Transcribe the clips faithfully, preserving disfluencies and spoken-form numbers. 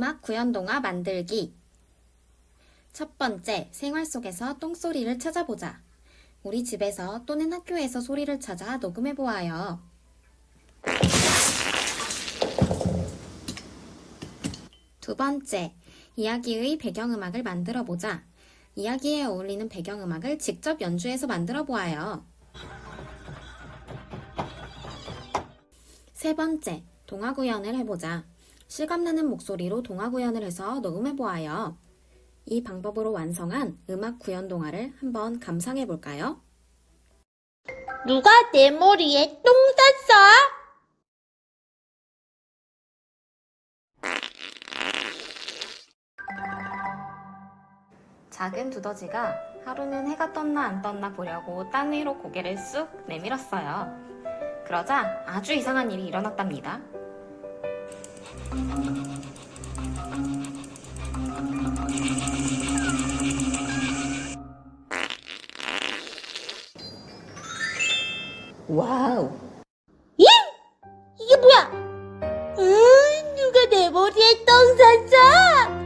음악 구연동화 만들기. 첫 번째, 생활 속에서 똥소리를 찾아보자. 우리 집에서 또는 학교에서 소리를 찾아 녹음해 보아요. 두 번째, 이야기의 배경음악을 만들어 보자. 이야기에 어울리는 배경음악을 직접 연주해서 만들어 보아요. 세 번째, 동화 구연을 해보자. 실감나는 목소리로 동화 구연을 해서 녹음해 보아요. 이 방법으로 완성한 음악 구연 동화를 한번 감상해 볼까요? 누가 내 머리에 똥 쌌어? 작은 두더지가 하루는 해가 떴나 안 떴나 보려고 땅 위로 고개를 쑥 내밀었어요. 그러자 아주 이상한 일이 일어났답니다. 와우! 예? 이게 뭐야? 음, 누가 내 머리에 똥 쌌어?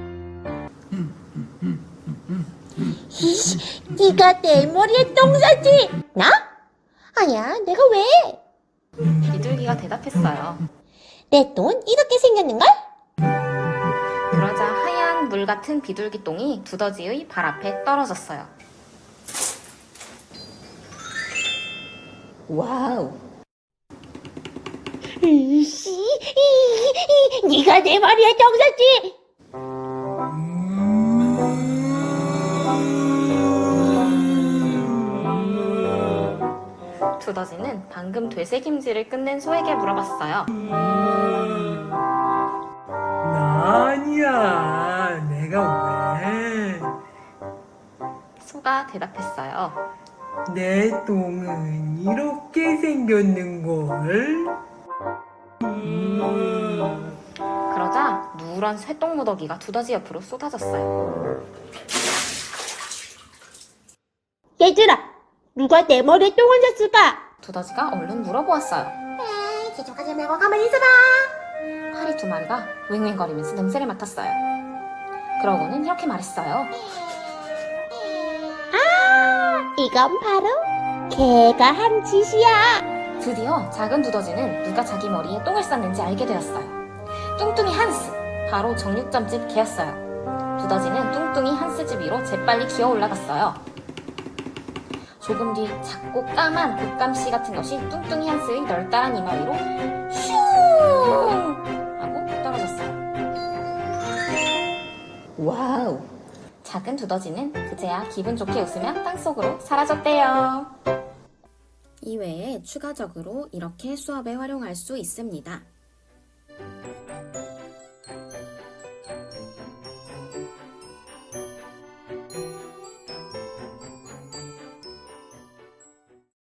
이씨, 네가 내 머리에 똥 쌌지? 나? 아니야, 내가 왜? 비둘기가 대답했어요. 내 똥은 이렇게 생겼는걸? 그러자 하얀 물 같은 비둘기 똥이 두더지의 발 앞에 떨어졌어요. 와우! 이씨, 이, 이, 네가 내 머리에 똥 쌌지? 두더지는 방금 되새김질을 끝낸 소에게 물어봤어요. 나 아니야. 내가 왜? 소가 대답했어요. 내 똥은 이렇게 생겼는걸? 그러자 누런 쇠똥 무더기가 두더지 옆으로 쏟아졌어요. 얘들아, 누가 내 머리에 똥을 쌌을까? 두더지가 얼른 물어보았어요. 에이, 기죽하지 말고 가만히 있어봐. 파리 두 마리가 윙윙거리면서 냄새를 맡았어요. 그러고는 이렇게 말했어요. 아, 이건 바로 개가 한 짓이야. 드디어 작은 두더지는 누가 자기 머리에 똥을 쌌는지 알게 되었어요. 뚱뚱이 한스, 바로 정육점집 개였어요. 두더지는 뚱뚱이 한스 집 위로 재빨리 기어 올라갔어요. 조금 뒤 작고 까만 곶감씨 같은 것이 뚱뚱이 한스의 널따란 이마 위로 슝 하고 떨어졌어요. 와우! 작은 두더지는 그제야 기분 좋게 웃으며 땅속으로 사라졌대요. 이외에 추가적으로 이렇게 수업에 활용할 수 있습니다.